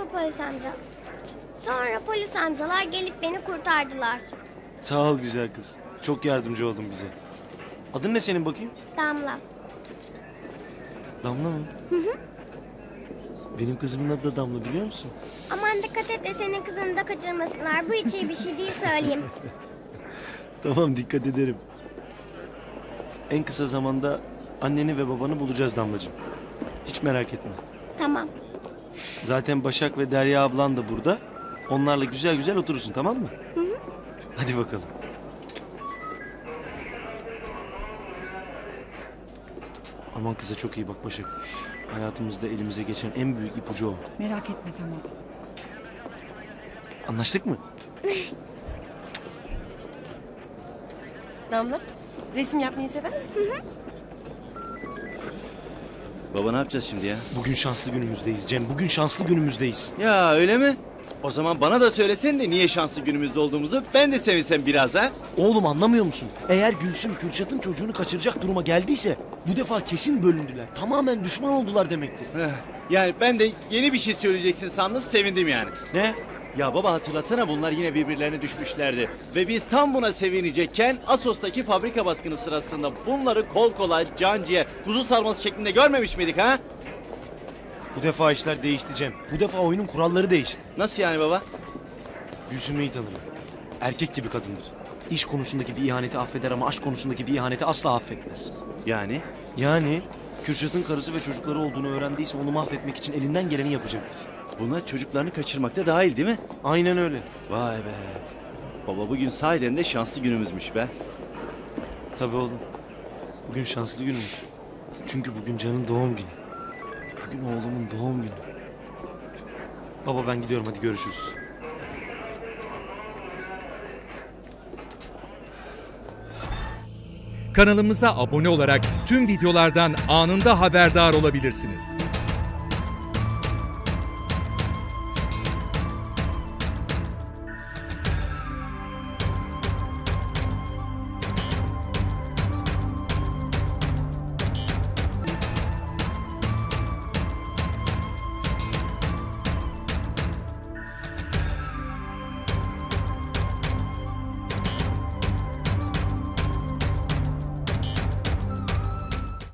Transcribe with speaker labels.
Speaker 1: polis amca. Sonra polis amcalar gelip beni kurtardılar.
Speaker 2: Sağ ol güzel kız. Çok yardımcı oldun bize. Adın ne senin bakayım?
Speaker 1: Damla.
Speaker 2: Damla mı? Benim kızımın adı da Damla biliyor musun?
Speaker 1: Aman dikkat et de senin kızını da kaçırmasınlar. Bu hiç iyi bir şey değil söyleyeyim.
Speaker 2: Tamam dikkat ederim. En kısa zamanda anneni ve babanı bulacağız Damlacığım. Hiç merak etme.
Speaker 1: Tamam.
Speaker 2: Zaten Başak ve Derya ablan da burada. Onlarla güzel güzel oturursun tamam mı? Hadi bakalım. Aman kıza çok iyi bak Başak. Hayatımızda elimize geçen en büyük ipucu o.
Speaker 3: Merak etme tamam.
Speaker 2: Anlaştık mı?
Speaker 4: Damla, resim yapmayı sever misin?
Speaker 5: Baba ne yapacağız şimdi ya?
Speaker 2: Bugün şanslı günümüzdeyiz Cem. Bugün şanslı günümüzdeyiz.
Speaker 5: Ya öyle mi? O zaman bana da söylesen de niye şanslı günümüzde olduğumuzu ben de sevinsem biraz ha?
Speaker 2: Oğlum anlamıyor musun? Eğer Gülsüm Kürşat'ın çocuğunu kaçıracak duruma geldiyse bu defa kesin bölündüler. Tamamen düşman oldular demektir.
Speaker 5: Yani ben de yeni bir şey söyleyeceksin sandım sevindim yani.
Speaker 2: Ne?
Speaker 5: Ya baba hatırlasana bunlar yine birbirlerine düşmüşlerdi. Ve biz tam buna sevinecekken Assos'taki fabrika baskını sırasında bunları kol kola, can ciğer, kuzu sarması şeklinde görmemiş miydik ha?
Speaker 2: Bu defa işler değişti Cem. Bu defa oyunun kuralları değişti.
Speaker 5: Nasıl yani baba?
Speaker 2: Gülsüm'ü iyi tanırım. Erkek gibi kadındır. İş konusundaki bir ihaneti affeder ama aşk konusundaki bir ihaneti asla affetmez. Yani Kürşat'ın karısı ve çocukları olduğunu öğrendiyse onu mahvetmek için elinden geleni yapacaktır.
Speaker 5: Buna çocuklarını kaçırmakta dahil değil mi?
Speaker 2: Aynen öyle.
Speaker 5: Vay be. Baba bugün sahiden de şanslı günümüzmüş be.
Speaker 2: Tabii oğlum. Bugün şanslı günümüz. Çünkü bugün Can'ın doğum günü. Bugün oğlumun doğum günü. Baba ben gidiyorum hadi görüşürüz.
Speaker 6: Kanalımıza abone olarak tüm videolardan anında haberdar olabilirsiniz.